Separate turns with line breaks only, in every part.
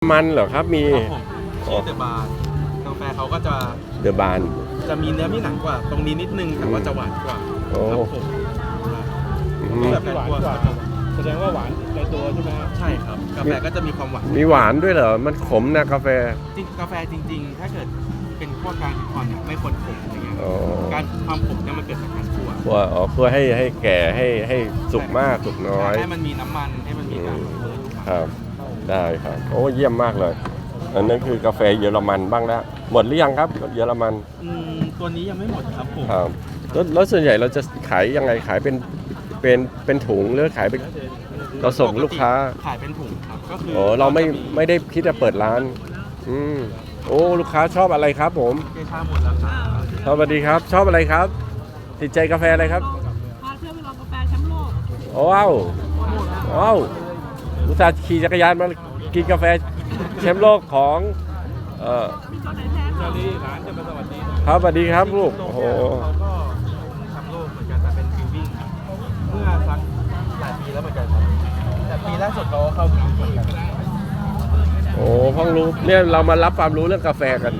มันเหรอครับมี
ชื่อเดอะบาร์กาแฟเขาก็จะ
เดอะบาน
จะมีเนื้อมีหนังกว่าตรงนี้นิดนึงแต่ว่าจะหวานกว่า
โอ้
ครับผม
แบบหวานกว่าแสดงว่าหวานในตัวใช่ไหมครับ
ใช่ครับกาแฟก็จะมีความหวาน
มีหวานด้วยเหรอมันขมนะกาแฟ
จริงกาแฟจริงๆ ถ้าเกิดเป็นขั้วกลางถึงอ่อนเนี่ยไม่ควรขมอะไรเงี้ย
อ๋อ
การความขมเนี่ยมันเกิดจากการคั่ว
คั่วให้แก่ให้สุกมากสุกน้อย
ให้มันมีน้ำมันให้มันมีการเปิด
ครับได้ครับโอ้เยี่ยมมากเลยอันนั้นคือกาแฟเยอรมันบ้างแล้วหมดหรือยังครับเยอรมัน
ตัวนี้ยังไม่หมดครับผม
ครับแล้วส่วนใหญ่เราจะขายยังไงขายเป็นถุงหรือขายเป็นเราส่งลูกค้า
ขายเป็นถุงครับก็คือ
โอ้เราไม่ได้คิดจะเปิดร้านโอ้ลูกค้าชอบอะไรครับผม
เกชาหมดแล้วครับ
สวัสดีครับชอบอะไรครับติดใจกาแฟอะไรครับ
พาเพื่อนไปลองกาแฟแชมป์โลก
โอ้ว้าวว้าวอุตส่าห์ขี่จักรยานมากินกาแฟแชมป์โลกของ
มีตัวไหนแท้คะ
นี่ร้านจะมาสวัสดี
ครับสวัสดีครับลูกโอ้โห
เขาก็แชมป์โลกเหมือนกันแต่เป็นฟิววิ่งครับเมื่อสักหลายปีแล้วเหมือนกันครับแต่ปีล่าสุดเขาเข้าฟิวเหมือนกัน
โอ้เพิ่งรู้เนี่ยเรามารับความรู้เรื่องกาแฟกัน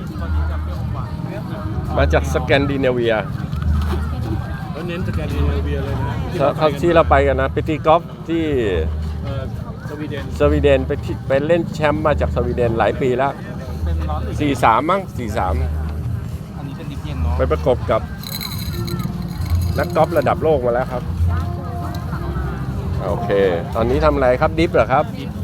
มาจากสแกนดิเนเวีย
แล้วเน้นสแกนดิเนเวียเลยนะ
ที่เราไปกันนะไปตีกอล์ฟที่
สวีเดน
สวีเดนไปเล่นแชมป์มาจากสวีเดนหลายปีแล้ว
เป็นร้อนหรือ
43มั้ง43
อันนี้เป็นดิบเย็นเนาะ
ไปประกบกับนักกอล์ฟระดับโลกมาแล้วครับโอเค ตอนนี้ทำอะไรครับดิฟเหรอครับ
ดิบ